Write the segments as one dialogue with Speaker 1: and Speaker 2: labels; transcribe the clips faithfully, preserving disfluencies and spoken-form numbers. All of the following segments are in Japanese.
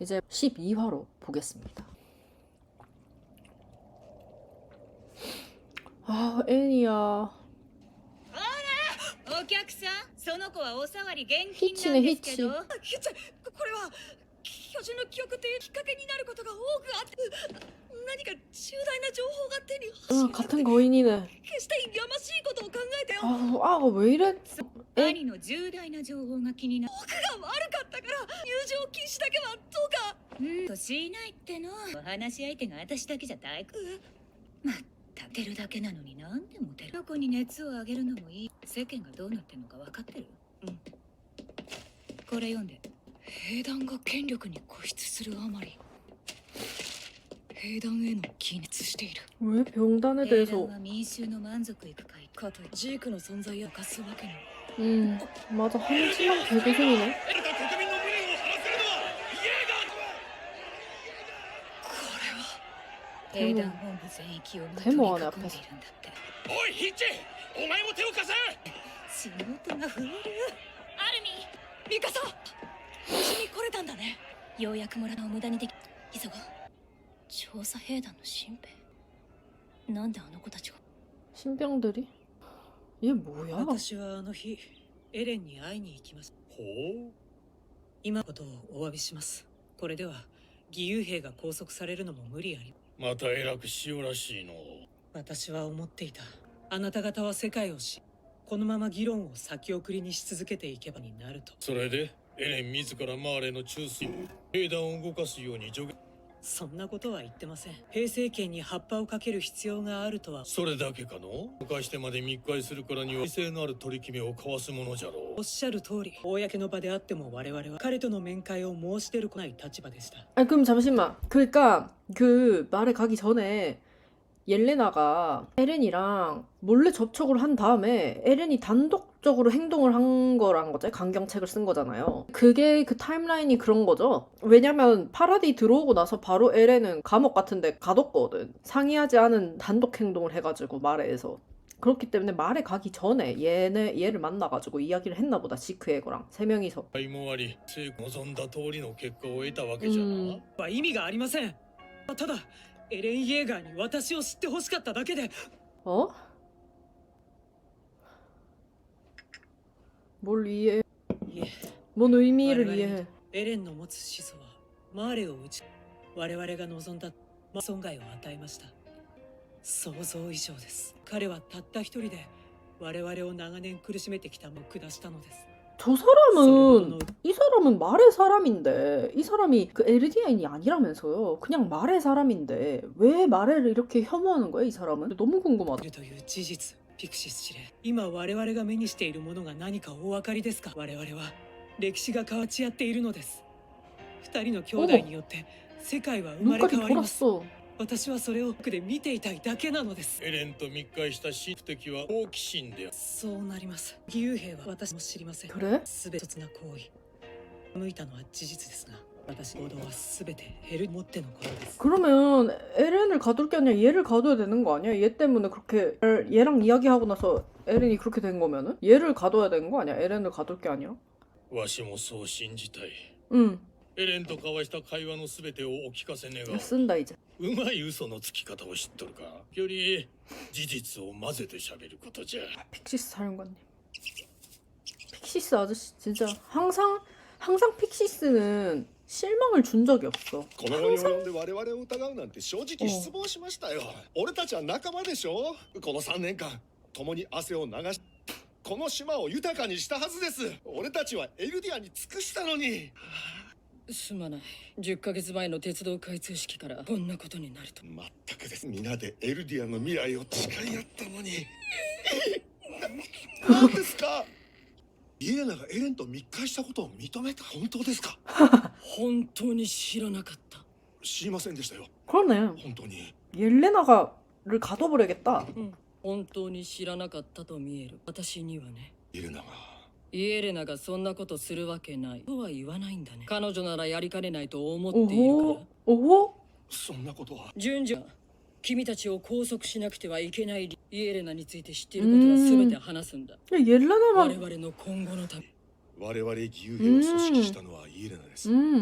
Speaker 1: 이제 십이 화로 보겠습니다. 아, 애니야.
Speaker 2: お客さん、その子はおさわり現
Speaker 1: ヒッチね、
Speaker 2: 金なんで
Speaker 1: ヒッチ。
Speaker 2: すけど。
Speaker 3: ひちゃこれは巨人の記憶というきっかけになることが多くあって何か重大な情報が手に
Speaker 1: 아, 같은 거인이네.
Speaker 3: 決してやましいことを考えてよ
Speaker 1: 아, 아, 왜 이래?
Speaker 2: 兄の重大な情報が気になる。
Speaker 3: 僕が悪かったから入場禁止だけはどうか
Speaker 2: うんとしないっての。お話し相手が私だけじゃ大工。まったてるだけなのになんでモテる。どこに熱を上げるのもいい。世間がどうなってるのか分かってる。うん。これ読んで。
Speaker 3: 兵団が権力に固執するあまり兵団への気熱している
Speaker 1: 왜 병단에
Speaker 2: 兵
Speaker 1: 대해서?
Speaker 2: 団は民衆の満足いく会かといって
Speaker 3: ジークの存在を犯すわけに
Speaker 1: 음, 맞아. 한지만 개고생이네.
Speaker 2: 兵団本部全域を取
Speaker 1: で
Speaker 2: り囲んでい
Speaker 1: もね
Speaker 2: るんだって。
Speaker 4: おいヒッチ、お前も手を貸せ。
Speaker 2: 仕事が増える。アルミ
Speaker 3: ミカサ無事に来れたんだね
Speaker 2: ようやく村の無駄にでき。
Speaker 3: 急ごう調査兵団の新兵なんであの子たちが
Speaker 1: 신병들이? 얘 뭐야?
Speaker 3: 私はあの日エレンに会いに行きます
Speaker 4: ほう。
Speaker 3: 今のことをお詫びしますこれでは義勇兵が拘束されるのも無理あり
Speaker 4: また偉くしようらしいの。
Speaker 3: 私は思っていたあなた方は世界を知このまま議論を先送りにし続けていけばになると
Speaker 4: それでエレン自らマーレの中枢兵団を動かすように助言。
Speaker 3: そんなことは言ってません兵政権に葉っぱをかける必要があるとは
Speaker 4: それだけかの。犯してまで密会するからには威勢のある取り決めを交わすものじゃろう。
Speaker 3: おっしゃる通り公の場であっても我々は彼との面会を申し出るこない立場でした
Speaker 1: 아, 그럼 잠시만. 그러니까 그 말에 가기 전에 옐레나가 에렌이랑 몰래 접촉을 한 다음에 에렌이 단독적으로 행동을 한 거란 거죠. 강경책을 쓴 거잖아요. 그게 그 타임라인이 그런 거죠. 왜냐면 파라디 들어오고 나서 바로 에렌은 감옥 같은 데 가뒀거든. 상의하지 않은 단독 행동을 해가지고 말에서. 그렇기 때문에 말에 가기 전에 얘네, 얘를 만나가지고 이야기를 했나 보다. 지크에거랑 세 명이서.
Speaker 4: 会もあり、政府望んだ通りの結果を得たわけじゃな。
Speaker 1: うん
Speaker 3: は意味がありませんただエレン・イェーガーに私を知ってほしかっただけで
Speaker 1: 어? 뭘 이해해?
Speaker 3: いえ
Speaker 1: 뭔 의미를
Speaker 3: 我々
Speaker 1: 이해해?
Speaker 3: エレンの持つ始祖はマーレを打ち我々が望んだ損害を与えました想像以上です彼はたった一人で我々を長年苦しめてきたものを下したのです
Speaker 1: 저 사람은 이 사람은 말의 사람인데 이 사람이 그 엘디아인이 아니라면서요. 그냥 말의 사람인데 왜 말을 이렇게 혐오하는 거야 이 사람은? 너무 궁금하다.
Speaker 3: いるという事実ピクシス司令今我々が目にしているものが何かお分かりですか我々は歴史が変わち合っているのです二人の兄弟によって世界は生まれ
Speaker 1: 눈까지
Speaker 3: 変わります
Speaker 1: 돌았어.
Speaker 3: 私はそれを奥で見ていたいだけなのです
Speaker 4: エレンと密会した真敵は好奇心である。
Speaker 3: そうなります義勇兵は私も知りません
Speaker 1: 그래?
Speaker 3: すべてな行為向いたのは事実ですが私行動はすべてヘルもってのことです
Speaker 1: 그러면 에렌을 가둘 게 아니라 얘를 가둬야 되는 거 아니야? 얘 때문에 그렇게 얘랑 이야기하고 나서 에렌이 그렇게 된 거면은? 얘를 가둬야 되는 거 아니야? 에렌을 가둘 게 아니야?
Speaker 4: わしもそう信じたい。
Speaker 1: 응.
Speaker 4: エレンと交わした会話のすべてをお聞かせ願う。
Speaker 1: 쓴다 이제.
Speaker 4: うまい嘘のつき方を知っとるか。より事実を混ぜて喋ることじゃ。
Speaker 1: 픽시스 사령관님. 픽시스 아저씨 진짜 항상 항상 픽시스는 실망을 준 적이 없어.
Speaker 5: この後に及んで我々を疑うなんて正直失望しましたよ。俺たちは仲間でしょ。このさんねんかん共に汗を流しこの島を豊かにしたはずです。俺たちはエルディアに尽くしたのに。
Speaker 3: すまないじゅっかげつまえの鉄道開通式からこんなことになると
Speaker 5: まったくです。皆でエルディアの未来を誓い合ったのに。ななんですか。イエレナがエレンと密会したことを認めた。本当ですか。
Speaker 3: 本当に知らなかった
Speaker 5: 知りませんでしたよ。
Speaker 1: 그러네.
Speaker 5: 本当に。
Speaker 1: 옐레나가를 가둬버려야겠다.
Speaker 3: 本当に知らなかったと見える私にはね
Speaker 5: イエレナが
Speaker 3: イエレナがそんなことするわけないとは言わないんだね彼女ならやりかねないと思っているから
Speaker 1: 오호. 오호.
Speaker 5: そんなことは。
Speaker 3: 順序君たちを拘束しなくてはいけない理イエレナについて知っていることは全て話すんだ
Speaker 1: 야,
Speaker 3: 我
Speaker 1: 옐레나만
Speaker 3: 々の今後のため
Speaker 5: 我々義勇兵を組織したのはイエレナです。
Speaker 1: 음.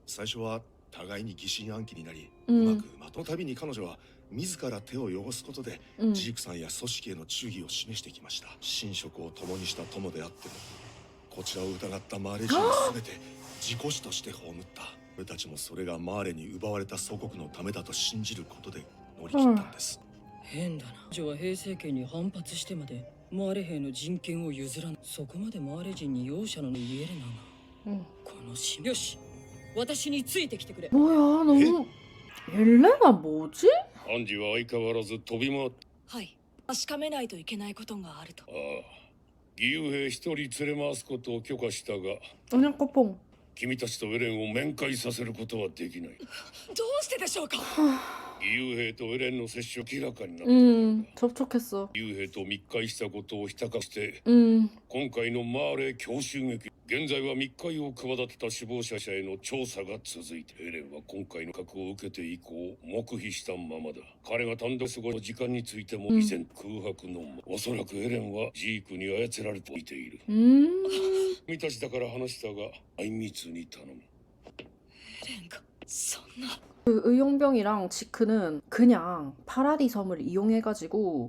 Speaker 5: 最初は互いに疑心暗鬼になり、
Speaker 1: う
Speaker 5: うんまくまとのたびに彼女は自ら手を汚すことで、
Speaker 1: うん
Speaker 5: ジークさんや組織への忠義を示してきました。寝食を共にした友であっても、こちらを疑ったマーレ人を全て自己死として葬った。俺たちもそれがマーレに奪われた祖国のためだと信じることで乗り切ったんです。
Speaker 6: 変だな。女は平政権に反発してまでマーレ兵の人権を譲らん。そこまでマーレ人に容赦のないエレナが、
Speaker 1: うん
Speaker 6: このしよし、私についてきてくれ。
Speaker 1: 뭐야 너무 옐레나 뭐지?
Speaker 4: アンジは相変わらず飛び回っ
Speaker 7: はい。確かめないといけないことがあると。
Speaker 4: ああ義勇兵一人連れ回すことを許可したが
Speaker 1: 그냥 꼬뽕.
Speaker 4: 君たちとエレンを面会させることはできない。
Speaker 7: どうしてでしょうか。
Speaker 4: 義勇兵とエレンの接触明らかになった。
Speaker 1: 음 접촉했어.
Speaker 4: 義勇兵と密会したことをひたかして
Speaker 1: 음
Speaker 4: 今回のマーレ強襲撃、現在は密会を企てた死亡者者への調査が続いて、エレンは今回の核を受けて以降黙秘したままだ。彼が単独過ごす時間についても
Speaker 1: うん
Speaker 4: 以前空白のまま、おそらくエレンはジークに操られていている。
Speaker 1: 음
Speaker 4: 君たちだから話したがあいみつに頼む。
Speaker 7: レンがそんな。
Speaker 1: 그 의용병이랑 지크는 그냥 파라디 섬을 이용해가지고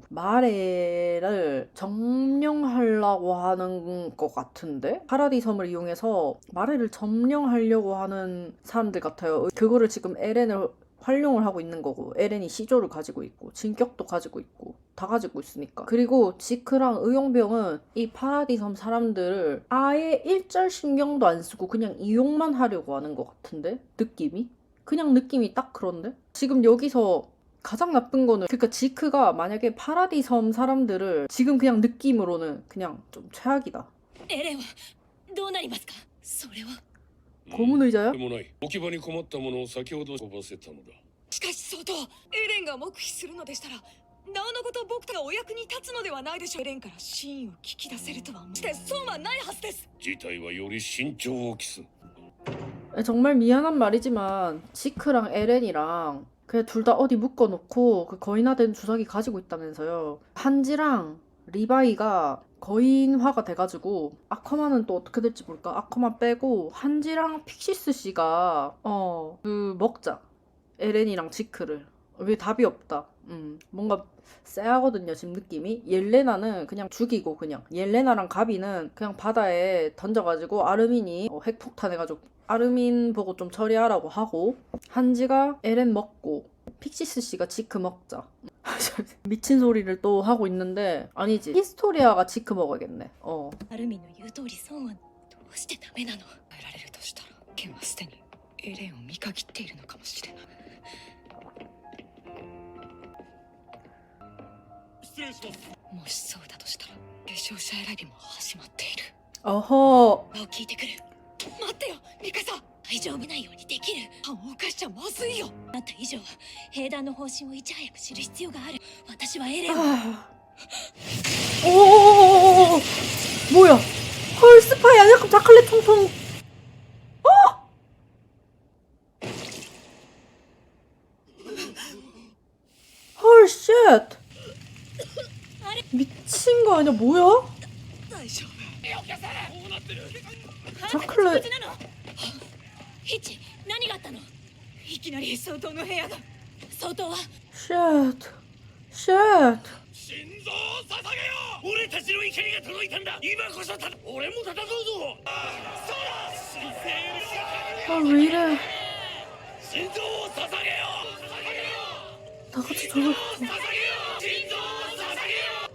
Speaker 1: 마레를 점령하려고 하는 것 같은데? 파라디 섬을 이용해서 마레를 점령하려고 하는 사람들 같아요. 그거를 지금 에렌을 활용을 하고 있는 거고, 에렌이 시조를 가지고 있고 진격도 가지고 있고 다 가지고 있으니까. 그리고 지크랑 의용병은 이 파라디 섬 사람들을 아예 일절 신경도 안 쓰고 그냥 이용만 하려고 하는 것 같은데? 느낌이? 그냥 느낌이 딱 그런데? 지금 여기서 가장 나쁜 거는, 그러니까 지크가 만약에 파라디 섬 사람들을 지금 그냥 느낌으로는 그냥 좀 최악이다.
Speaker 7: エレンはどうなりますか。それは。
Speaker 1: 고문 의자야?
Speaker 4: でもない。置き場に困ったものを先ほど飛ばせたのだ。
Speaker 7: しかし相当。エレンが黙秘するのでしたら、なおのこと僕がお役に立つのではないでしょう。エレンから真意を聞き出せるとは思う。して損はないはずです。
Speaker 4: 事態はより慎重を期す。
Speaker 1: 정말 미안한 말이지만 지크랑 에렌이랑 그냥 둘 다 어디 묶어놓고 그 거인화된 주사기 가지고 있다면서요. 한지랑 리바이가 거인화가 돼가지고 아커만은 또 어떻게 될지 모를까. 아커만 빼고 한지랑 픽시스 씨가 어 그 먹자. 에렌이랑 지크를. 왜 답이 없다. 음 뭔가 쎄하거든요 지금 느낌이. 옐레나는 그냥 죽이고, 그냥 옐레나랑 가비는 그냥 바다에 던져가지고 아르민이 어, 핵폭탄 해가지고 아르민 보고 좀 처리하라고 하고, 한지가 에렌 먹고 픽시스 씨가 지크 먹자. 미친 소리를 또 하고 있는데 아니지, 히스토리아가 지크 먹어야겠네. 어
Speaker 7: アルミンの言う通り損はどうしてダメなの。変えられるとしたら、ケンはすでにエレンを見限っているのかもしれない。
Speaker 4: 失礼します。
Speaker 7: もしそうだとしたら、継承者選びも始まっている。
Speaker 1: 어허
Speaker 7: を聞いてくる。待ってよ、ミカサ。大丈夫ないようにできる。犯を犯しちゃまずいよ。
Speaker 2: あった以上は兵団の方針をいち早く知る必要がある。私はエレンを
Speaker 1: 아... 오 뭐야, 헐 스파이 아니야? 그럼 자칼레 통통. 어? 헐 쉣. 미친 거 아니야? 뭐야?
Speaker 7: 大丈夫。
Speaker 1: 자칼레
Speaker 2: ヒッチ、何があったの。
Speaker 7: いきなり相当の部屋が。
Speaker 2: 相当は
Speaker 1: 쉣 쉣.
Speaker 4: 心臓を捧げよう。俺たちの怒りが届いたんだ。今こそた俺も戦うぞ。そうだ。神聖
Speaker 1: 아 왜 이래.
Speaker 4: 心臓を捧げよう。
Speaker 1: 다 같이 저러.
Speaker 4: 捧げよう。心臓を捧げよう。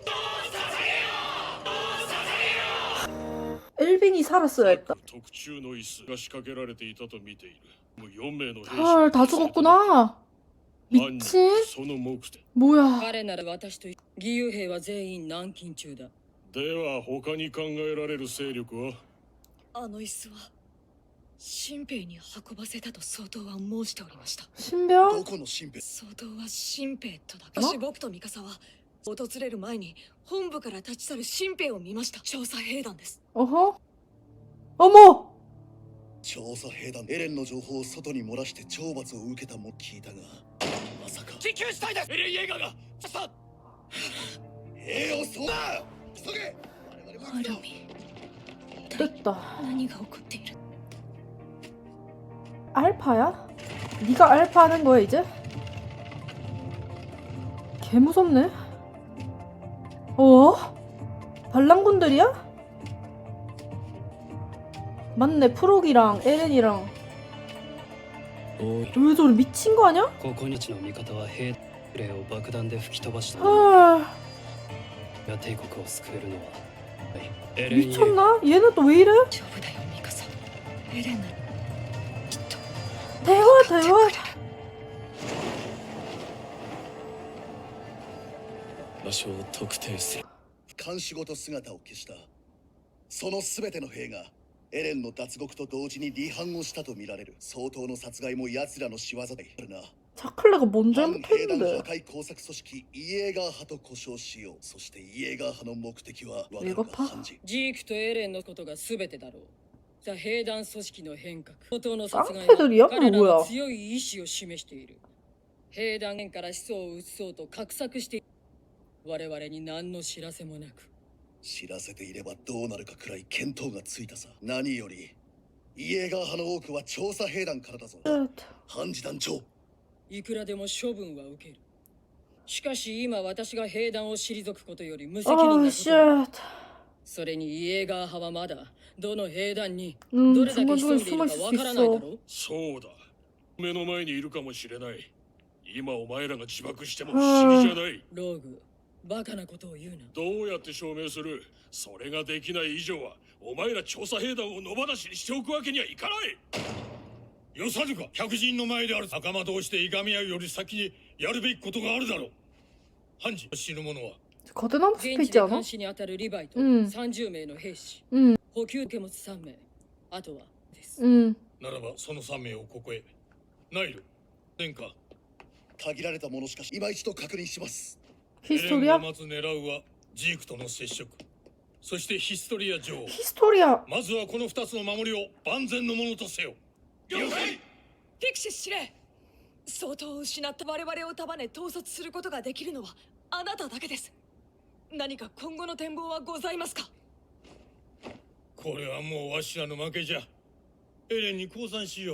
Speaker 1: 엘빈이 살았어야 했다.
Speaker 4: 特注の椅子が仕掛けられていたと見ている。もうよん名の兵士
Speaker 1: 헐 다 죽었구나. 미친?
Speaker 4: その目的
Speaker 1: 뭐야.
Speaker 6: 彼なら私と義勇兵は全員軟禁中だ。
Speaker 4: では他に考えられる勢力は。
Speaker 7: あの椅子は新兵に運ばせたと相当は申しておりました。
Speaker 1: 신병?
Speaker 5: どこの新兵。
Speaker 7: 相当は新兵とだけ。私僕とミカサは訪れる前に本部から立ち去る新兵を見ました。調査兵団です。
Speaker 1: 어허? 어머!
Speaker 8: 調査兵団エレンの情報を外に漏らして懲罰を受けたも聞いたが、まさか
Speaker 4: 緊急事態です。エレン・イェーガーがさあ
Speaker 8: 兵をそうだ。急げ。我々も
Speaker 7: アルミン、
Speaker 1: 됐다.
Speaker 7: 何が起こっている。
Speaker 1: 알파야? 네가 알파 하는 거야 이제? 개 무섭네. 어? 반란군들이야? 맞네, 프록이랑 에렌이랑.
Speaker 9: おい
Speaker 1: 왜 저래, 미친 거 아니야?
Speaker 9: ここ日の味方は兵霊を爆弾で吹き飛ばした
Speaker 1: 아,
Speaker 9: が帝国を救えるのはエレン・イェイ
Speaker 1: 미쳤나? 얘는 또 왜 이래?
Speaker 7: 丈夫だよミカサエレンならきっと
Speaker 1: 대화 대화.
Speaker 9: 場所を特定する
Speaker 8: 監視ごと姿を消したその全ての兵がエレンの脱獄と同時に離反をしたとみられる相当の殺害も奴らの仕業であるな
Speaker 1: 자클레가 뭔
Speaker 8: 反兵団破
Speaker 1: 잘못했는데?
Speaker 8: 壊工作組織イエーガー派と呼称しようそしてイエーガー派の目的はわかるか
Speaker 1: 이거파?
Speaker 8: ハンジ
Speaker 6: ジークとエレンのことが全てだろう。ザ・兵団組織の変革、相当の殺害
Speaker 1: 깡패들이야?
Speaker 6: は彼ら
Speaker 1: 뭐야?
Speaker 6: の強い意志を示している。兵団から始祖を移そうと画策している。我々に何の知らせもなく。
Speaker 8: 知らせていればどうなるかくらい見当がついたさ何よりイエーガー派の多くは調査兵団からだぞ
Speaker 1: 쉿.
Speaker 8: ハンジ団長
Speaker 6: いくらでも処分は受ける。しかし今私が兵団を退くことより無責任
Speaker 1: 아
Speaker 6: なことだ。
Speaker 1: 쉣.
Speaker 6: それにイエーガー派はまだどの兵団に
Speaker 1: 음
Speaker 6: どれだけ
Speaker 1: 중간중간
Speaker 6: 潜んでい
Speaker 1: 숨어
Speaker 6: る
Speaker 1: 있을
Speaker 6: かわ
Speaker 1: 수
Speaker 6: からないだ
Speaker 1: 있어.
Speaker 6: ろう。
Speaker 4: そうだ目の前にいるかもしれない今お前らが自爆しても不思議じゃない
Speaker 6: ローグ、バカなことを言うな。
Speaker 4: どうやって証明するそれができない以上はお前ら調査兵団を野放しにしておくわけにはいかないよさぬか客人の前である仲間同士でいがみ合うより先にやるべきことがあるだろうハンジ死ぬ者は
Speaker 1: 거대나무 숲에
Speaker 6: 現地
Speaker 1: 있지
Speaker 6: で
Speaker 1: 않아?
Speaker 6: 監視に当たるリヴァイと
Speaker 1: うん
Speaker 6: さんじゅうめいの兵士、
Speaker 1: 응,
Speaker 6: 補給受け持ちさんめい、あとはです。
Speaker 1: 응.
Speaker 4: ならばそのさん名をここへナイル殿下
Speaker 8: 限られたものしかし今一度確認します
Speaker 1: 히스토리아?
Speaker 4: まず狙うはジークとの接触そしてヒストリア女王
Speaker 1: 히스토리아.
Speaker 4: まずはこの二つの守りを万全のものとせよ了解
Speaker 7: フィクシス司令相当失った我々を束ね統率することができるのはあなただけです何か今後の展望はございますか
Speaker 4: これはもうわしらの負けじゃエレンに降参しよう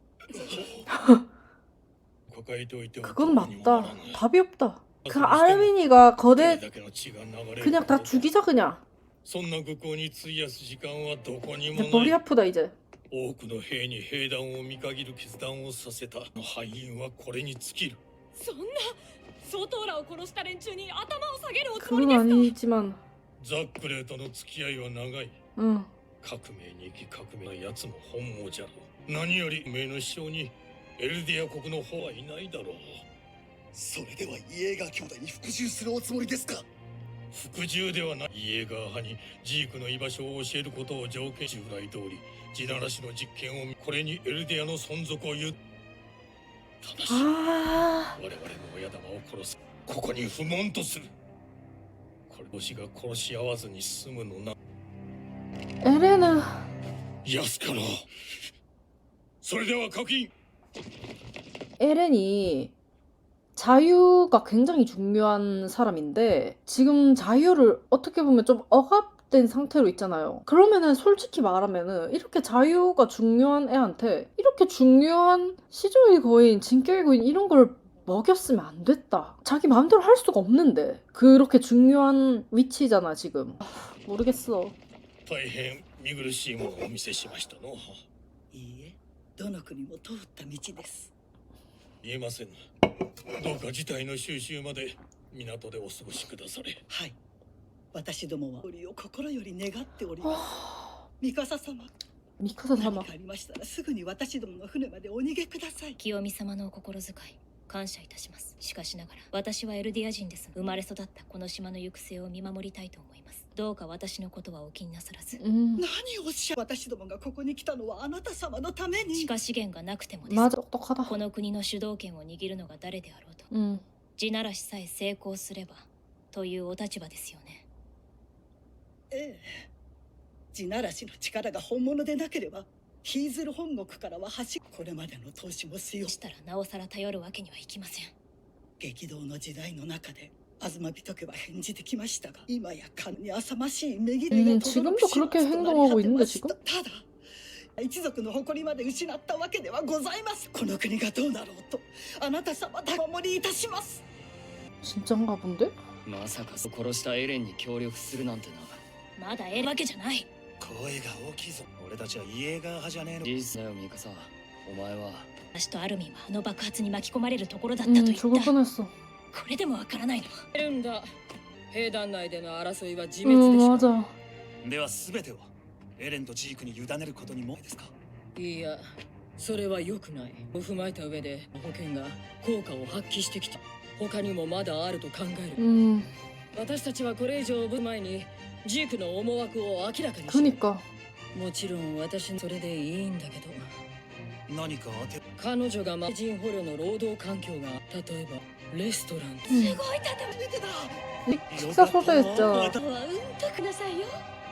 Speaker 4: 抱えておいては
Speaker 1: 그건
Speaker 4: どうにもなら
Speaker 1: 맞다.
Speaker 4: ぬ
Speaker 1: 답이 없다. 그 아르미니가
Speaker 4: こ
Speaker 1: 거대
Speaker 4: れだけの血が流れる
Speaker 1: 그냥 다 죽이자 그냥.
Speaker 4: そんな愚行に費やす時間はどこにも
Speaker 1: 야,
Speaker 4: な
Speaker 1: 머리
Speaker 4: い
Speaker 1: 아프다 이제.
Speaker 4: 多くの兵に兵団を見限る決断をさせた敗因はこれに尽きる
Speaker 7: そんな相当らを殺した連中に頭を下げるおつもり
Speaker 1: 그건
Speaker 7: ですか
Speaker 1: 아니지만.
Speaker 4: ザックレーとの付き合いは長い
Speaker 1: 응.
Speaker 4: 革命に生き革命な奴も本望じゃろう何より名の師匠にエルディア国の方はいないだろう
Speaker 8: それではイエーガー兄弟に服従するおつもりですか
Speaker 4: 服従ではないイエーガー派にジークの居場所を教えることを条件従来通り地ならしの実験をこれにエルディアの存続を言うただし
Speaker 1: 아.
Speaker 4: 我々の親玉を殺すここに不問とするこれ星が殺し合わずに済むのな
Speaker 1: 에레는
Speaker 4: 安かろうそれでは確認
Speaker 1: 에렌이 자유가 굉장히 중요한 사람인데 지금 자유를 어떻게 보면 좀 억압된 상태로 있잖아요. 그러면은 솔직히 말하면은 이렇게 자유가 중요한 애한테 이렇게 중요한 시조의 거인, 진격의 거인 이런 걸 먹였으면 안 됐다. 자기 마음대로 할 수가 없는데 그렇게 중요한 위치잖아 지금. 아, 모르겠어.
Speaker 4: 大変見苦しいものをお見せしましたの
Speaker 10: いいえ、どの国も通った道です。
Speaker 4: 言えませんどうか事態の収拾まで港でお過ごしくだされ
Speaker 10: はい。私どもは折を心より願っております。
Speaker 1: 하...
Speaker 10: ミカサ様、
Speaker 1: 미카사
Speaker 10: 何
Speaker 1: 사마.
Speaker 10: かありましたらすぐに私どもの船までお逃げください。
Speaker 2: 清美様のお心遣い感謝いたします。しかしながら私はエルディア人です。生まれ育ったこの島の行く末を見守りたいと思います。どうか私のことはお気になさらず。
Speaker 1: 음.
Speaker 10: 何をおっしゃる私どもがここに来たのはあなた様のために。
Speaker 2: 地下資源がなくてもです。
Speaker 1: 맞아, 똑똑하다.
Speaker 2: この国の主導権を握るのが誰であろうと、
Speaker 1: 음.
Speaker 2: 地ならしさえ成功すればというお立場ですよね。
Speaker 10: ええ。地ならしの力が本物でなければ、ヒーズル本国からは端これまでの投資もしよう。
Speaker 2: したらなおさら頼るわけにはいきません。
Speaker 10: 激動の時代の中で東人家は返事できましたが今や勘に浅ましいめぎれが
Speaker 1: 음, 지금도 그렇게 행동하고 있는데 지금?
Speaker 10: ただ一族の誇りまで失ったわけではございます。この国がどうなろうとあなた様だお守りいたします。
Speaker 1: 진짠가 본데?
Speaker 9: まさか殺したエレンに協力するなんてな。
Speaker 2: まだえるわけじゃない。
Speaker 8: 声が大きいぞ。俺たちはイエーガー派じゃねえの。
Speaker 9: 事実だよミカサ。お前は
Speaker 2: 私とアルミンはあの爆発に巻き込まれるところだったと
Speaker 1: 응
Speaker 2: 言っ
Speaker 1: 죽을
Speaker 2: た。
Speaker 1: 뻔했어.
Speaker 2: これでもわからないの。
Speaker 6: エレンだ。兵団内での争いは自
Speaker 1: 응
Speaker 6: 滅でしょ。
Speaker 1: 맞아.
Speaker 8: では全てをエレンとジークに委ねることにもですか。
Speaker 6: いや、それは良くない。を踏まえた上で保険が効果を発揮してきた。他にもまだあると考える。
Speaker 1: 음
Speaker 6: 私たちはこれ以上ぶ前にジークの思惑を明らかにした。
Speaker 1: 그니까
Speaker 6: もちろん私のそれでいいんだけど、
Speaker 8: 何か当て
Speaker 6: 彼女が魔人捕虜の労働環境が例えばレストランと
Speaker 1: 응.
Speaker 2: すごい建物。
Speaker 1: 식사 소재했죠.
Speaker 2: あとはうんとくださいよ。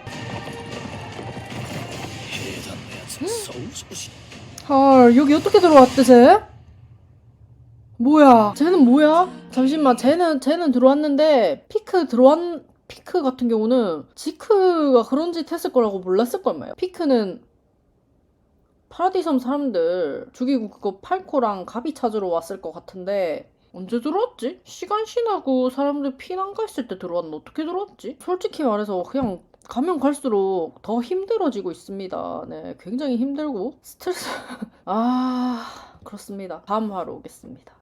Speaker 8: 兵団のやつもそう少し
Speaker 1: 헐 여기 어떻게 들어왔대 쟤? 뭐야 쟤는 뭐야? 잠시만 쟤는 쟤는 들어왔는데 피크 들어왔 피크 같은 경우는 지크가 그런 짓 했을 거라고 몰랐을 거예요. 피크는 파라디섬 사람들 죽이고 그거 팔코랑 가비 찾으러 왔을 것 같은데 언제 들어왔지? 시간 지나고 사람들 피난 가 있을 때 들어왔나? 어떻게 들어왔지? 솔직히 말해서 그냥 가면 갈수록 더 힘들어지고 있습니다. 네, 굉장히 힘들고 스트레스 아 그렇습니다. 다음 화로 오겠습니다.